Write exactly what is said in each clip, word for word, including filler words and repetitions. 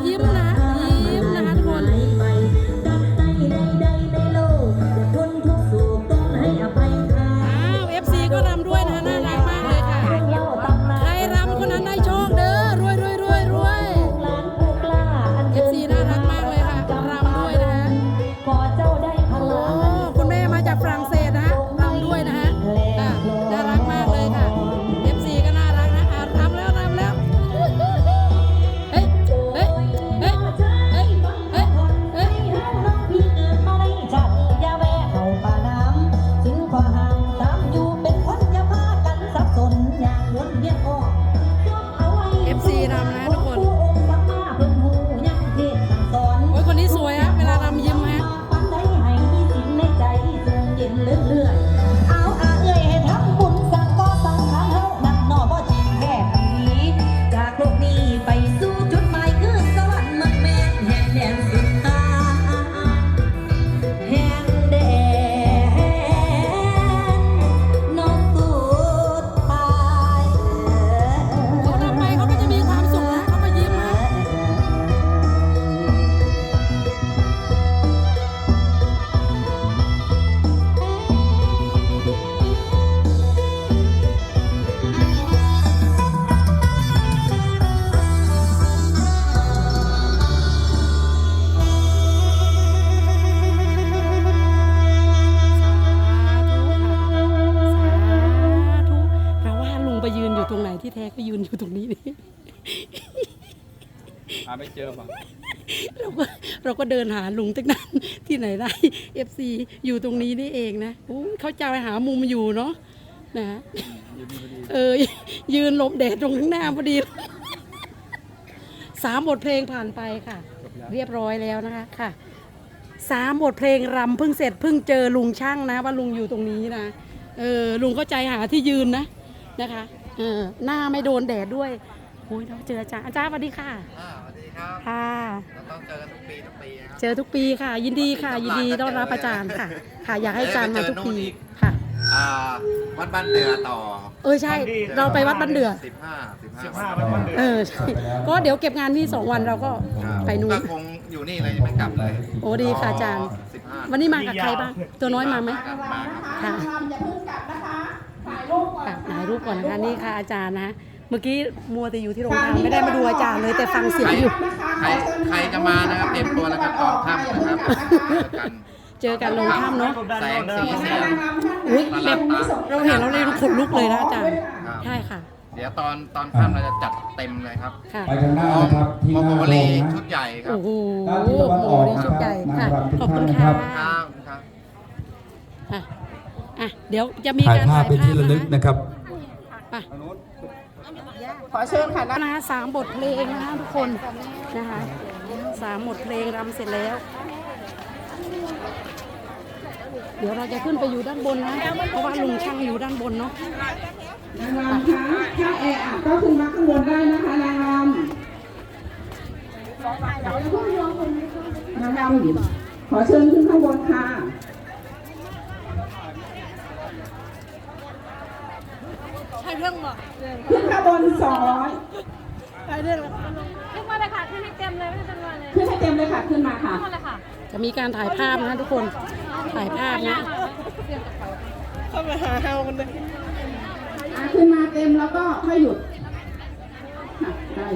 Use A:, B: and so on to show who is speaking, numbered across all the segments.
A: ยิ้มนะยิ้มนะคะทุกคนอ้าวเอฟซีก็รำด้วยนะน่ารักมากเลยค่ะใครรำคนนั้นได้โชคเด้อรวยรวยรวยรวยเอฟซีน่ารักมากเลยค่ะรำด้วยนะฮะโอ้คุณแม่มาจากฝรั่งเศสนะรำด้วยนะฮะน่ารักมากเลยค่ะเอฟซีก็น่ารักนะรำแล้วรำแล้วเฮ้ยเฮ้ยเฮ้ยเฮ้ยเฮ้ยเฮ้ยเอฟซีรำนะทุกคนโอ้ยคนนี้สวยฮะเวลารำยิ้มฮะตรงไหนที่แท้ก็ยืนอยู่ตรงนี้นี่
B: หาไม่เจอป่ะ
A: เราก็เราก็เดินหาลุงตั้งนานที่ไหนได้ เอฟ ซี อยู่ตรงนี้นี่เองนะเขาจะไปหามุมอยู่เนาะนะเออยืนหลบแดดตรงข้างหน้าพอดีสามบทเพลงผ่านไปค่ะเรียบร้อยแล้วนะคะค่ะสามบทเพลงรำเพิ่งเสร็จเพิ่งเจอลุงช่างนะว่าลุงอยู่ตรงนี้นะเออลุงเข้าใจหาที่ยืนนะนะคะเออหน้าไม่โดนแดดด้วยโอ้ยเราเจออาจารย์อาจารย์สวัสดีค่ะ
C: สวัสดีครับ
A: ค่ะ
C: เราต้องเจอกันทุกปีทุกปีครับ
A: เจอทุกปีค่ะยินดีค่ะยินดีต้อนรับอาจารย์ค่ะค่ะอยากให้อาจารย์มาทุกปีค่ะ
C: วัดบ้านเดือต่อ
A: เออใช่เราไปวัดบ้านเดือ
C: สิบห้าสิบห้า
B: สิบห้าวัดบ้านเดือ
A: เออใช่ก็เดี๋ยวเก็บงานที่สองวันเราก็ไปนู่น
C: ก็คงอยู่นี่เลยไม่กลับเลย
A: โอ้ดีค่ะอาจารย์วันนี้มากับใครบ้างตัวน้อยมาไหมค่ะ
D: อย่าเพิ่งกลับนะคะถ่ายรูปก่อน
A: ถ่ายรูปก่อนนะคะนี่ค่ะอาจารย์นะเมื่อกี้มัวแต่อยู่ที่โรงทานไม่ได้มาดูอาจารย์เลยแต่ฟังเสียงอยู่
C: ใครใครจะมานะครับเตรียมตัวแล้วก็ตอนค่ำนะครับ
A: เจอกันลงถ้ำเนาะ
C: แสงสีเสียง
A: อุ้ยแบบเราเห็นเราเลยขนลุกเลยนะอาจารย์ใช่ค่ะ
C: เดี๋ยวตอนตอนค่ำเราจะจัดเต็มเลยครับ
E: ไปข้างหน้านะครับ
C: ที่หน้าโรงชุดใหญ่ครับ
A: โอ้โหโอ้โหชุดใหญ่ค่ะขอบคุณค่ะ
C: ครับ
A: อ่ะอ่ะเดี๋ยวจะมีการ
E: ถ่ายภาพเป็นที่ระลึกนะครับ
D: ขอเชิญค่ะ
A: นะคะสามบทเพลงนะคะทุกคนนะคะสามบทเพลงรำเสร็จแล้วเดี๋ยวเราจะขึ้นไปอยู่ด้านบนนะเพราะว่าลุงช่างอยู่ด้านบนเนาะ
D: นางรำคะถ้าแออัดก็ขึ้นมาข้างบนได้นะคะนางรำนางรำขอเชิญขึ้นข้างบนค่ะ
A: ใช่เรื่องบ่
D: ขึ้นข้างบนสองร้อย
A: ใช่เรื่อง
F: ขึ้นมาเลยค่ะขึ้นให้เต็มเลยไม่ต้องมาเลย
D: ขึ้นให้เต็มเลยค่ะขึ้นมาค่ะ
F: ขึ้นมาเลยค่ะ
A: จะมีการถ่ายภาพนะทุกคนถ่ายภาพนะเข้ามาหาเฮากันเลย
D: ขึ้นมาเต็มแล้วก็ค่อยหยุดได้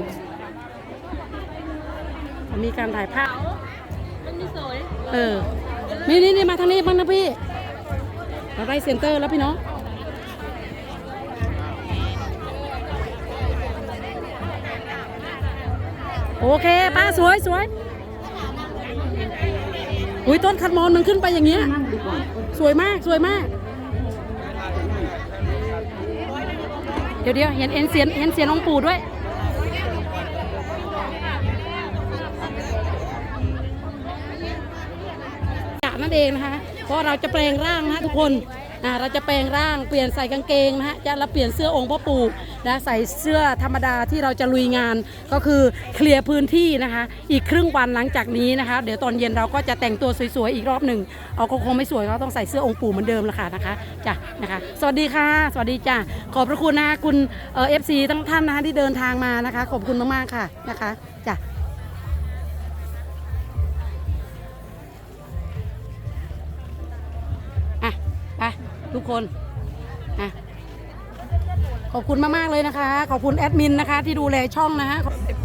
A: มีการถ่ายภาพ
F: มันมีสวย
A: เออนี่นี่นี่มาทางนี้บ้างนะพี่เราได้เซ็นเตอร์แล้วพี่น้องโอเคป้าสวยสวยอุ้ยต้นคัดมอนมันขึ้นไปอย่างเงี้ยสวยมากสวยมากเดี๋ยวเดี๋ยวเห็นเห็นเสียงเห็นเสียงองค์ปู่ด้วยนั่นเองนะคะเพราะเราจะแปลงร่างนะทุกคนอ่าเราจะแปลงร่างเปลี่ยนใส่กางเกงนะฮะจะแล้วเปลี่ยนเสื้อองค์พ่อปู่นะใส่เสื้อธรรมดาที่เราจะลุยงานก็คือเคลียร์พื้นที่นะคะอีกครึ่งวันหลังจากนี้นะคะเดี๋ยวตอนเย็นเราก็จะแต่งตัวสวยๆอีกรอบหนึ่งเอาคงไม่สวยเราต้องใส่เสื้อองค์ปู่เหมือนเดิมละค่ะนะคะจ้ะนะคะสวัสดีค่ะสวัสดีจ้ะขอบพระคุณนะคะคุณเอ่อฟซีทั้งท่านนะคะที่เดินทางมานะคะขอบคุณมากๆค่ะนะคะจ้ะทุกคนอ่ะขอบคุณมากๆเลยนะคะ ขอบคุณแอดมินนะคะ ที่ดูแลช่องนะฮะ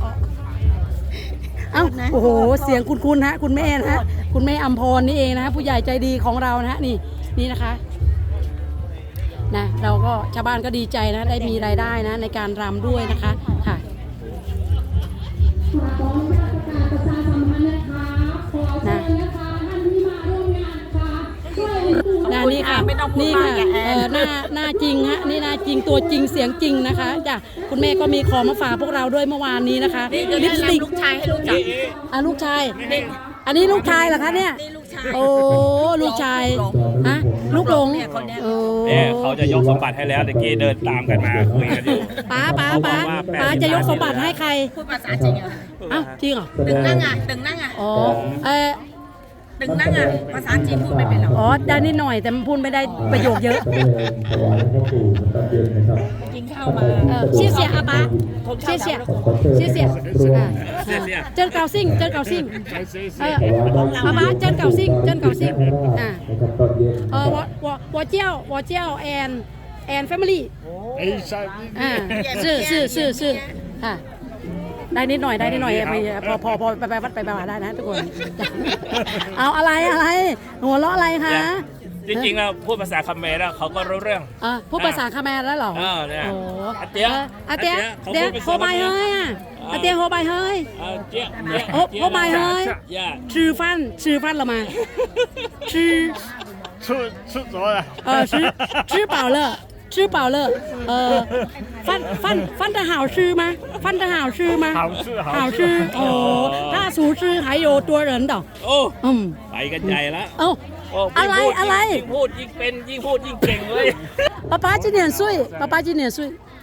A: เอ้าโอ้โหเสียงคุณคุณฮะคุณแม่นะฮะคุณแม่อัมพรนี่เองนะฮะผู้ใหญ่ใจดีของเรานะฮะนี่นี่นะคะนะเราก็ชาวบ้านก็ดีใจนะได้มีรายได้นะในการรำด้วยนะคะค่ะนะนะนี่ค่ะนี่ค่ะเออหน้าหน้าจริงฮะนี่หน้าจริงตัวจริงเสียงจริงนะคะจ้ะคุณแม่ก็มีของมาฝากพวกเราด้วยเมื่อวานนี้นะคะลิปสติก
F: ลูกชายให้รู้จัก
A: อ่ะลูกชายอันนี้ลูกชายเหรอคะเนี่ยโอ้ลูกชายฮะลูกหลงโอ้
B: เนี่ยเขาจะยกสมบัติให้แล้วตะกี้เดินตามกันมาคุยกันอยู่
A: ป้าป้าป้าป้าจะยกสมบัติให้ใคร
F: พูดภาษาจริงอ่ะ
A: อ้าวจริงเหรอ
F: ตึงนั่งอ่ะตึงนั่งอ่ะ
A: อ๋อเออ
F: ตึงนั่งอ่ะภาษาจีนพูดไม่เป็นหรอก
A: อ๋อได้นิดหน่อยแต่มันพูดไม่ได้ประโยคเยอะ
F: กินข้าวมา
A: เออเชี่ยเสียอาป้าเชี่ยเสียเชี่ยเสียอ่าเจิ้นเกาซิ่งเจิ้นเกาซิ่งเอออาป้าเจิ้นเกาซิ่งเจิ้นเกาซิ่งอ่าเออวอวอวอเจียววอเจียวแอนแอนแฟมิลี่อ่าชื่อชื่อชื่อชื่อค่ะได้นิดหน่อยได้นิดหน่อยไปพอพอพอไปไปวัดไปไปมาได้นะทุกคน เอาอะไรอะไรหัวเราะอะไรคะ
B: จริงๆแล้วพูดภาษาคาเขมรแล้วเขาก็รู้เรื่อง
A: อ่ะพูดภาษาคาแมรแล้วเหรอ
B: เออเนี่ย
A: โอ้
B: อาเตี้ย
A: อาเตีย
B: เขา
A: เตีย
B: พูดเป็น
A: โฮบายเฮ้ยอ่ะอาเตียโฮบายเฮ้ย
B: เออเจี๊ยเนี่ย
A: โอ้โอ้ไม่เฮ้ย
B: ย่า
A: ชื่อฟันชื่อฟันเรามาชื่อ
B: 出出咗啦。
A: เออชื่อชื่อเปล่าเลยชื่อเปล่าเลยเออฟันฟันฟัน的好吃吗ฟัน的好吃吗
B: 好吃好吃
A: 好吃哦他厨师还有多人的
B: โอ้
A: อืม
B: ไปกันใหญ่ละ
A: เอ้า
B: โอ้
A: อะไร
B: ยิ่งพูด
A: อะไร
B: ยิ่งพูดยิ่งเป็นยิ่งพูดยิ่งเก่งเลย
A: ป๊าป๊า今年岁ป๊าป๊า今年岁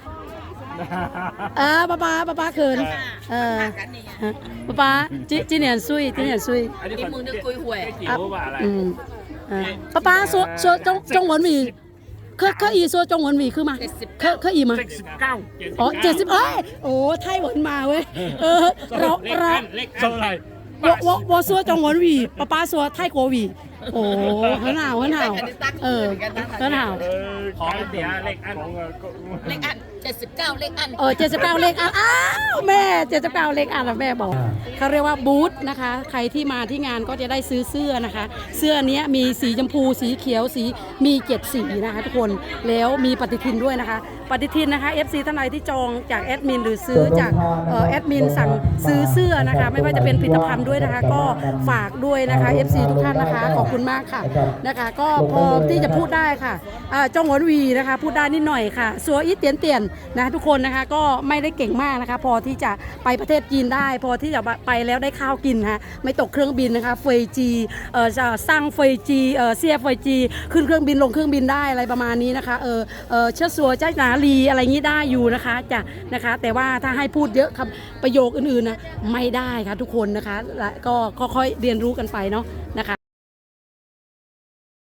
A: อ่าป๊าป๊าป๊าป๊าเขินเออป๊าป๊า今今年岁今年岁
B: อันนี้
F: นี่มึงนึกกุยหวย
B: จิ๋วว่าอะไร
A: 嗯，嗯，爸爸说说中中文语，可可以说中文语คือ吗？可可以吗？
B: สิบเก้า
A: 哦，เจ็ดสิบเอ้ยโอ้ไต้หวันมาเว้ยเออเรา
B: เล็ก
A: เรา
B: อันเล็กเท่าไหร่
A: 我我我说中文语，爸爸说泰国语。哦，很好很好，เออ很好。
B: ของเสียเล็กอัน
F: เลขอันเจ็ดสิบเก้าเลขอัน
A: เออเจ็ดสิบเก้าเลขอันอ้าวแม่เจ็ดสิบเก้าเลขอันแล้วแม่บอกเขาเรียกว่าบูธนะคะ ใครที่มาที่งานก็จะได้ซื้อเสื้อนะคะ เสื้อเนี้ยมีสีชมพูสีเขียวสีมีเจ็ดสีนะคะทุกคนแล้วมีปฏิทินด้วยนะคะ ปฏิทินนะคะ เอฟ ซี ท่านใดที่จองจากแอดมินหรือซื้อจากเอ่อแอดมินสั่งซื้อเสื้อนะคะ ไม่ว่าจะเป็นผลิตภัณฑ์ด้วยนะคะ ก็ฝากด้วยนะคะ เอฟ ซี ทุกท่านนะคะขอบคุณมากค่ะนะคะ ก็พอที่จะพูดได้ค่ะอ่าจงหวนวีนะคะพูดได้นิดหน่อยค่ะสัวอีเตียนเตียนนะทุกคนนะคะก็ไม่ได้เก่งมากนะคะ พอที่จะไปประเทศจีนได้ พอที่จะไปแล้วได้ข้าวกินฮะไม่ตกเครื่องบินนะคะเฟยจีเออจะสร้างเฟยจีเออเซียเฟยจีขึ้นเครื่องบินลงเครื่องบินได้อะไรประมาณนี้นะคะเออเออเชื้อสัวเจ้าหนาลีอะไรงี้ได้อยู่นะคะจ้ะนะคะ แต่ว่าถ้าให้พูดเยอะคำประโยคอื่นๆนะไม่ได้ค่ะทุกคนนะคะและก็ค่อยๆเรียนรู้กันไปเนาะนะคะ